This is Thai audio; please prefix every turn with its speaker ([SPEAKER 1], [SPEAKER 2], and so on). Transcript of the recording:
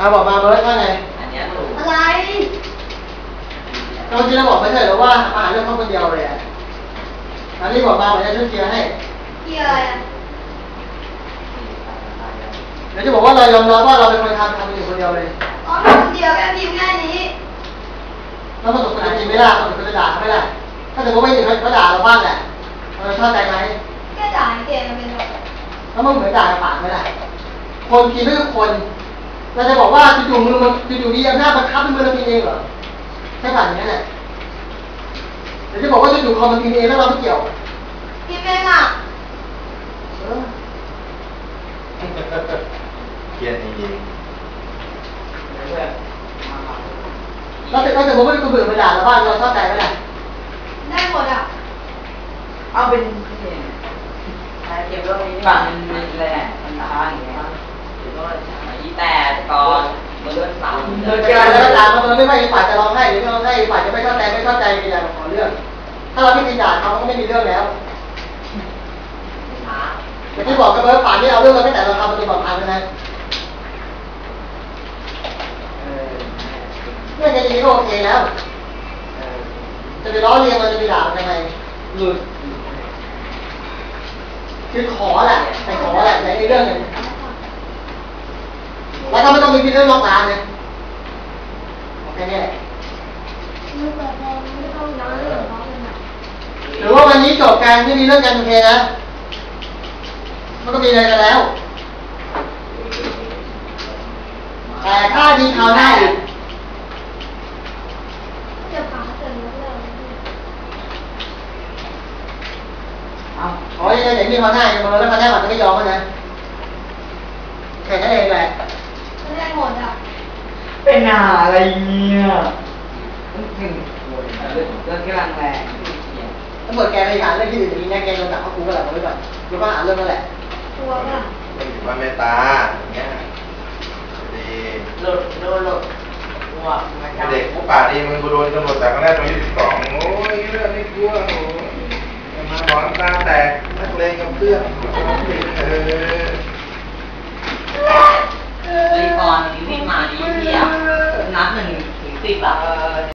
[SPEAKER 1] บอกมาเบิร์ดว่าไง
[SPEAKER 2] อันนี้ถูก
[SPEAKER 3] อะไร
[SPEAKER 1] เราจริงเราบอกไม่ใช่หรือว่ามาหาเรื่องเขาคนเดียวเลยอ่ะอันนี้บอกมาเหมือนจะช่วยเคลียร์ให้
[SPEAKER 3] เคลียร์อะไรอ่ะ
[SPEAKER 1] เดี๋ยวจะบอกว่าเรายอมรับว่าเราเป็นคนทำอยู่คนเดียวเลย
[SPEAKER 3] อ๋อคนเดียวแค่พิมพ์แค่นี้
[SPEAKER 1] แล้วประสบการณ์จริงไม่ได้ประสบการณ์ด่าเขาไม่ได้ถ้าสมมติว่าอย่างนี้เขาด่าเราบ้างแหละเราชอบใจไหม
[SPEAKER 3] แค่ด่าเกมมันเป็นแบบ
[SPEAKER 1] แล้วมันเหมือนด่าปากไม่ได้คนพิมพ์ไม่ทุกคนเราจะบอกว่าจู่ๆมือมันจู่ๆมีอำนาจบังคับเป็นมือเราพิมพ์เองเหรอใช่ป่ะอย่างนั้นแหละเดี๋ยวจะบอกว่าจู่ๆคอมมันพิมพ์เองแล้วเราไม่เกี่ยว
[SPEAKER 3] พิมพ์เองอ่ะ
[SPEAKER 4] เขียนจริง
[SPEAKER 1] แล้วแต่สมมติว่าคนอื่นมาด่าเราบ้างเราชอบใจไหมล่ะ
[SPEAKER 3] ได้หมดอ่ะ
[SPEAKER 2] เอาเป็นเก็บเรื่องนี้ฝั่งมันแหละมันตายอย่างเงี้ยหรือว่าอีแต่ก่อนมันเลื่อนเสา
[SPEAKER 1] โดยการแล้วด่ามันไม่ฝ่ายจะร้องไห้หรือไม่ร้องไห้ฝ่ายจะไม่ชอบใจเป็นอย่างของเรื่องถ้าเราไม่มีด่าเขาก็ไม่มีเรื่องแล้วอย่างที่บอกกับเบิร์ดป่านนี้เอาเรื่องเราไม่แต่เราทำประตูปลอดภัยไปนะเรื่องแค่นี้ก็โอเคแล้วจะไปล้อเลียนมันจะไปด่ามันยังไงหลุดคือขอแหละแต่ขอแหละในเรื่องหนึ่งแล้วก็ไม่ต้องมีเรื่องนอกร้านเลยแค่นี้แหละหรือว่าวันนี้จบการที่มีเรื่องกันโอเคนะมันก็มีอะไรกันแล้วแต่ถ้ามีข่าวหน้าอีกขออย่างนี้มีข่าวหน้าอย่างมาแล้วข่าวหน้ามันจะไม่ยอมนะแค่นั้นเองแหละ
[SPEAKER 3] ไม่ได้หมดอ่ะ
[SPEAKER 2] เป็นอะไรเนี่ยเรื่องกำลังแรง
[SPEAKER 1] ตำรวจแกไปหาเรื่องที่อื่นอย่างนี้แน่แกโดนจับเข้าคุกก็แหละผมไม่ก่อนรู้ว่าหาเรื่องนั่นแหละ
[SPEAKER 3] ตัวป่ะ
[SPEAKER 4] ว่าเมตตาอย่างเงี้ยดี
[SPEAKER 2] หลุดว่า
[SPEAKER 4] เด็กผู้ป่าดีมึงกูโดนตำรวจจับก็ได้ตรง22โอ้ยเรื่องนี้กลัวโอ้ยมาหมอนตาแตกนักเลงกับเพื่อน
[SPEAKER 2] ก่อนที่พี่มาดีเที่ยนับ1 ถึง 10อ่ะ